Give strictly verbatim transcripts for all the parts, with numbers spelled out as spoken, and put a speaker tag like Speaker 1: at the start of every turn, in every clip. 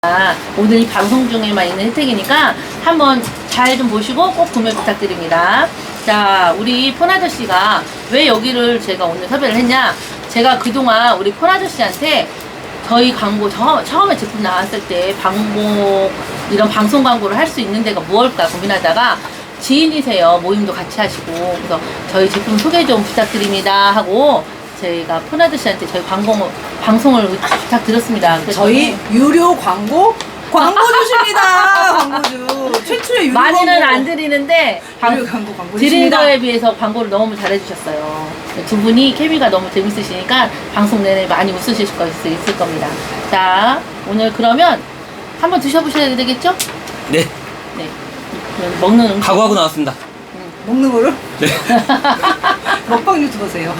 Speaker 1: 오늘 이 방송 중에만 있는 혜택이니까 한번 잘 좀 보시고 꼭 구매 부탁드립니다. 자, 우리 폰아저씨가 왜 여기를 제가 오늘 섭외를 했냐, 제가 그동안 우리 폰아저씨한테 저희 광고 저, 처음에 제품 나왔을 때 광고 이런 방송 광고를 할 수 있는 데가 무엇일까 고민하다가 지인이세요. 모임도 같이 하시고 그래서 저희 제품 소개 좀 부탁드립니다 하고 저희가 폰아저씨한테 저희 광고 방송을 부탁드렸습니다.
Speaker 2: 저희 유료 광고 광고 주십니다. 광고주 최초의 유료
Speaker 1: 많이는
Speaker 2: 광고.
Speaker 1: 안 드리는데 방,
Speaker 2: 유료 광고 광고
Speaker 1: 드린
Speaker 2: 주십니다.
Speaker 1: 거에 비해서 광고를 너무 잘해주셨어요. 두 분이 케미가 너무 재밌으시니까 방송 내내 많이 웃으실 수 있을 겁니다. 자, 오늘 그러면 한번 드셔보셔야 되겠죠?
Speaker 3: 네,
Speaker 1: 네. 그럼 먹는 음식.
Speaker 3: 각오하고 나왔습니다.
Speaker 2: 먹는 거를
Speaker 3: 네.
Speaker 2: 먹방 유튜버세요.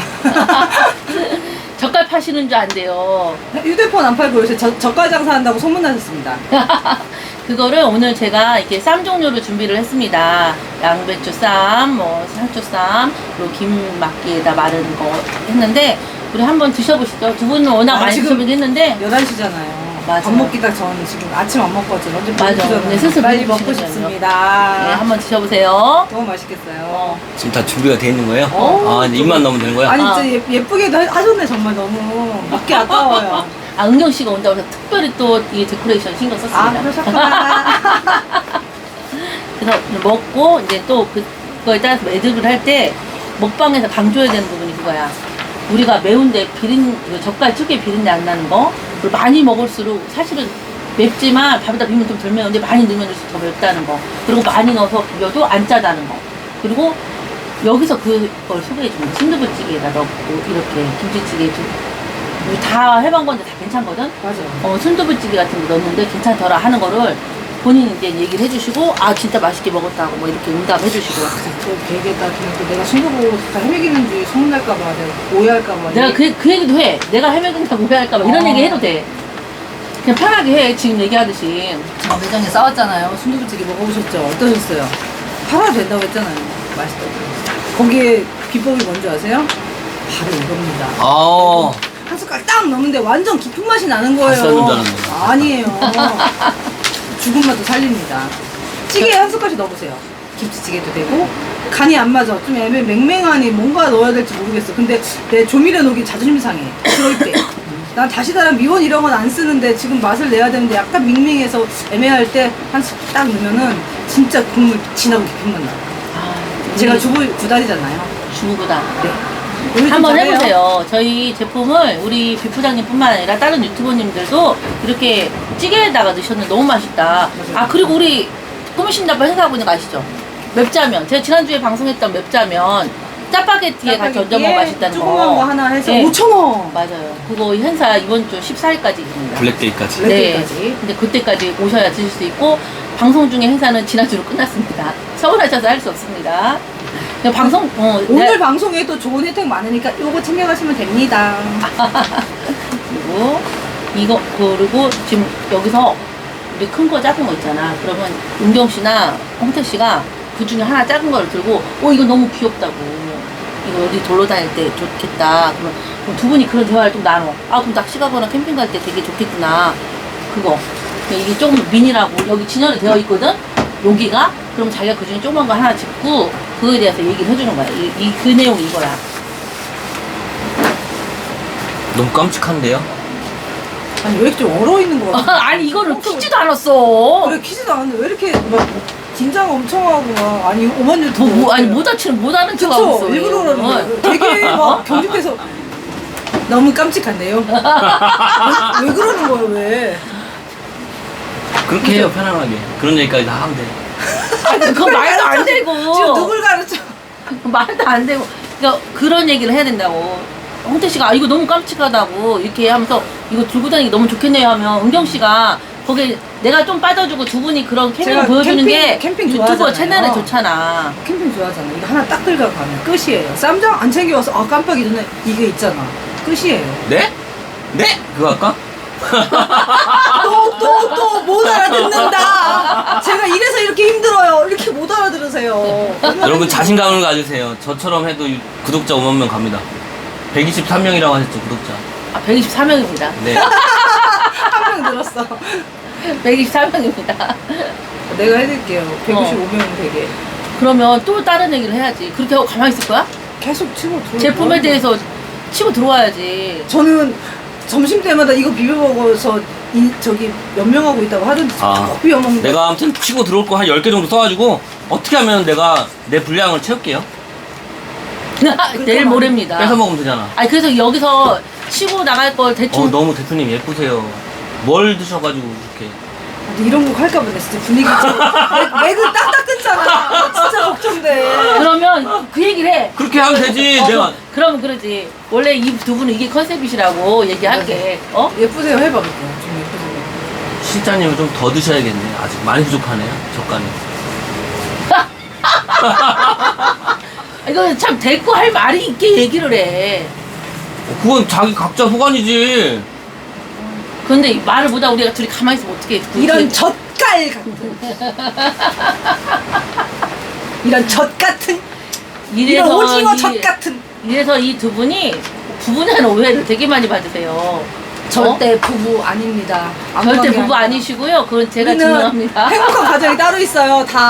Speaker 1: 젓갈 파시는 줄 안 돼요.
Speaker 2: 휴대폰 안 팔고 요새 저, 젓갈 장사한다고 소문나셨습니다.
Speaker 1: 그거를 오늘 제가 이렇게 쌈 종류로 준비를 했습니다. 양배추 쌈, 뭐 상추 쌈, 그리고 김막기에다 마른 거 했는데 우리 한번 드셔보시죠. 두 분은 워낙
Speaker 2: 아,
Speaker 1: 많이
Speaker 2: 지금
Speaker 1: 드셔보긴 했는데
Speaker 2: 열한 시잖아요.
Speaker 1: 맞아요.
Speaker 2: 밥 먹기 딱 전 지금 아침 안 먹거든요. 언제
Speaker 1: 맞아.
Speaker 2: 먹기 전에
Speaker 1: 네, 스스로
Speaker 2: 빨리 먹고
Speaker 1: 드시는
Speaker 2: 싶습니다.
Speaker 1: 네, 한번 드셔보세요.
Speaker 2: 너무 맛있겠어요.
Speaker 1: 어.
Speaker 3: 지금 다 준비가 돼 있는 거예요?
Speaker 1: 어,
Speaker 3: 아, 이제 입만 넣으면 되는 거야?
Speaker 2: 아니
Speaker 1: 아.
Speaker 2: 진짜 예, 예쁘게도 하- 하셨네. 정말 너무 먹기 아까워요.
Speaker 1: 아, 은경 씨가 온다고 해서 특별히 또 이 데코레이션 신경
Speaker 2: 아
Speaker 1: 썼습니다.
Speaker 2: 그러셨구나.
Speaker 1: 그래서 먹고 이제 또 그거에 따라서 매듭을 할 때 먹방에서 강조해야 되는 부분이 그거야. 우리가 매운데 비린 그 젓갈 특유의 비린내 안 나는 거, 그리고 많이 먹을수록 사실은 맵지만 밥에다 비비면 좀 덜 매운데 많이 넣으면 넣을수록 더 맵다는 거, 그리고 많이 넣어서 비벼도 안 짜다는 거, 그리고 여기서 그걸 소개해 줍니다. 순두부찌개에다 넣고 이렇게 김치찌개 우리 다 해본 건데 다 괜찮거든.
Speaker 2: 맞아요.
Speaker 1: 어, 순두부찌개 같은 거 넣었는데 괜찮더라 하는 거를 본인이 이제 얘기를 해주시고, 아 진짜 맛있게 먹었다고 뭐 이렇게 응답해 주시고.
Speaker 2: 또 걔에다 그냥 또 내가 친구보고 다 헤매기는지 소문날까봐 내가 오해할까봐.
Speaker 1: 내가 그, 그 얘기도 해. 내가 헤매긴다고 오해할까봐 이런
Speaker 2: 어.
Speaker 1: 얘기 해도 돼. 그냥 편하게 해. 지금 얘기하듯이.
Speaker 2: 저 매장에 싸웠잖아요. 순두부찌개 먹어보셨죠? 어떠셨어요? 팔아도 된다고 했잖아요. 맛있다고. 거기에 비법이 뭔지 아세요? 바로 이겁니다.
Speaker 3: 아,
Speaker 2: 한 숟갈 딱 넣는데 완전 깊은 맛이 나는 거예요.
Speaker 3: 갓 삶은 줄 알았네.
Speaker 2: 아니에요. 죽은 맛도 살립니다. 찌개에 한 숟갈씩 넣어보세요. 김치찌개도 되고 간이 안 맞아. 좀 애매 맹맹하니 뭔가 넣어야 될지 모르겠어. 근데 내 조미료 녹이 자존심 상해. 그럴 때. 난 다시다란 미원 이런 건 안 쓰는데 지금 맛을 내야 되는데 약간 밍밍해서 애매할 때 한 숟갈 딱 넣으면은 진짜 국물 진하고 깊은 맛 나요.
Speaker 1: 아,
Speaker 2: 제가
Speaker 1: 우리
Speaker 2: 주부 구달이잖아요.
Speaker 1: 주부다.
Speaker 2: 네. 요리 좀
Speaker 1: 한번
Speaker 2: 잘해요.
Speaker 1: 해보세요. 저희 제품을 우리 비프장님뿐만 아니라 다른 유튜버님들도 이렇게 찌개에다가 넣으셨는데 너무 맛있다. 아, 그리고 우리 꾸미신다고 행사하고 있는 거 아시죠? 맵자면. 제가 지난주에 방송했던 맵자면 짜파게티에 같이 얹어 먹어 맛있다는 거.
Speaker 2: 조그만 거 하나 해서
Speaker 1: 네.
Speaker 2: 오천 원.
Speaker 1: 맞아요. 그거 행사 이번 주 십사 일까지 있습니다.
Speaker 3: 블랙데이까지.
Speaker 2: 블랙-
Speaker 1: 네.
Speaker 2: 블랙데이까지.
Speaker 1: 근데 그때까지 오셔야 드실 수 있고, 방송 중에 행사는 지난주로 끝났습니다. 서운하셔서 할 수 없습니다. 그냥 방송, 어,
Speaker 2: 오늘
Speaker 1: 내-
Speaker 2: 방송에 또 좋은 혜택 많으니까 요거 챙겨가시면 됩니다.
Speaker 1: 그리고 이거, 그리고 지금 여기서 우리 큰 거 작은 거 있잖아. 그러면 은경 씨나 홍태 씨가 그 중에 하나 작은 거를 들고, 어, 이거 너무 귀엽다고. 이거 어디 돌러 다닐 때 좋겠다. 그러면 그럼 두 분이 그런 대화를 좀 나눠. 아, 그럼 낚시 가거나 캠핑 갈 때 되게 좋겠구나. 그거. 근데 이게 조금 미니라고 여기 진열이 되어 있거든? 여기가? 그럼 자기가 그 중에 조그만 거 하나 짚고 그거에 대해서 얘기를 해주는 거야. 이, 이, 그 내용이 이거야.
Speaker 3: 너무 깜찍한데요?
Speaker 2: 아니 왜 이렇게 좀 얼어있는 거 같아?
Speaker 1: 아니, 이거를 키지도 않았어.
Speaker 2: 그래 키지도 않았는데 왜 이렇게 막 긴장 엄청 하고 막 아니 오만 유튜브
Speaker 1: 뭐, 뭐, 아니, 모자치는 못 하는 척 하고
Speaker 2: 그쵸?
Speaker 1: 있어.
Speaker 2: 일부러 그러는
Speaker 1: 어.
Speaker 2: 거예요. 되게 막 경직돼서 너무 깜찍한데요? 왜, 왜 그러는 거예요 왜?
Speaker 3: 그렇게 해요, 편안하게. 그런 얘기까지 다 하면 돼.
Speaker 1: 아니, 그거 말도 안 되고.
Speaker 2: 지금 누굴 가르쳐?
Speaker 1: 말도 안 되고. 그러니까 그런 얘기를 해야 된다고. 홍태 씨가 아, 이거 너무 깜찍하다고 이렇게 하면서 이거 들고 다니기 너무 좋겠네요 하면 은경 씨가 거기에 내가 좀 빠져주고 두 분이 그런 캠핑을
Speaker 2: 제가
Speaker 1: 보여주는
Speaker 2: 캠핑-
Speaker 1: 게
Speaker 2: 캠핑
Speaker 1: 유튜버
Speaker 2: 좋아하잖아요.
Speaker 1: 채널에 좋잖아.
Speaker 2: 캠핑 좋아하잖아. 이거 하나 딱 들고 가면 끝이에요. 쌈장 안 챙겨와서 아 깜빡이 전에 이게 있잖아. 끝이에요.
Speaker 3: 네? 네? 그거 할까?
Speaker 2: 또 또 또 못 알아듣는다. 제가 이래서 이렇게 힘들어요. 이렇게 못 알아들으세요.
Speaker 3: 여러분 자신감을 가지세요. 저처럼 해도 유- 구독자 오만 명 갑니다. 백이십삼 명이라고 하셨죠, 구독자.
Speaker 1: 아, 백이십사 명입니다.
Speaker 3: 네.
Speaker 2: 한 명 늘었어.
Speaker 1: 백이십사 명입니다.
Speaker 2: 내가 해드릴게요. 백오십오 명 되게.
Speaker 1: 그러면 또 다른 얘기를 해야지. 그렇게 하고 가만히 있을 거야?
Speaker 2: 계속 치고 들어.
Speaker 1: 제품에 대해서 치고 들어와야지.
Speaker 2: 저는 점심 때마다 이거 비벼 먹어서 이, 저기 연명하고 있다고 하던데
Speaker 3: 아,
Speaker 2: 꼭 비벼 먹는
Speaker 3: 내가 아무튼 치고 들어올 거 한 열 개 정도 써가지고 어떻게 하면 내가 내 분량을 채울게요.
Speaker 1: 내일 모레입니다.
Speaker 3: 뺏어 먹으면 되잖아.
Speaker 1: 아니 그래서 여기서 치고 나갈 걸 대충
Speaker 3: 어, 너무 대표님 예쁘세요. 뭘 드셔가지고 그렇게.
Speaker 2: 근데 이런 거 할까 보네 진짜 분위기 좀 맥- 맥을 딱딱 끊잖아. 나 진짜 걱정돼.
Speaker 1: 그러면 그 얘기를 해.
Speaker 3: 그렇게 하면 되지.
Speaker 1: 어,
Speaker 3: 내가
Speaker 1: 그러면 그러지. 원래 이 두 분은 이게 컨셉이시라고 얘기할게. 어?
Speaker 2: 예쁘세요 해봐 그거 좀 예쁘세요.
Speaker 3: 실장님은 좀 더 드셔야겠네. 아직 많이 부족하네요. 젓간이.
Speaker 1: 이거 참 대꾸 할 말이 있게 얘기를 해.
Speaker 3: 어, 그건 자기 각자 소관이지.
Speaker 1: 근데 말을 못하고 우리가 둘이 가만히 있으면 어떻게
Speaker 2: 이런 젓갈 같은 이런 젓 같은 이런 오징어
Speaker 1: 이-
Speaker 2: 젓 같은
Speaker 1: 이래서 이 두 분이 부부냐는 오해를 되게 많이 받으세요.
Speaker 2: 절대 부부 아닙니다.
Speaker 1: 어? 절대 부부 아니시고요. 그건 제가
Speaker 2: 우리는
Speaker 1: 증명합니다.
Speaker 2: 행복한 가정이 따로 있어요. 다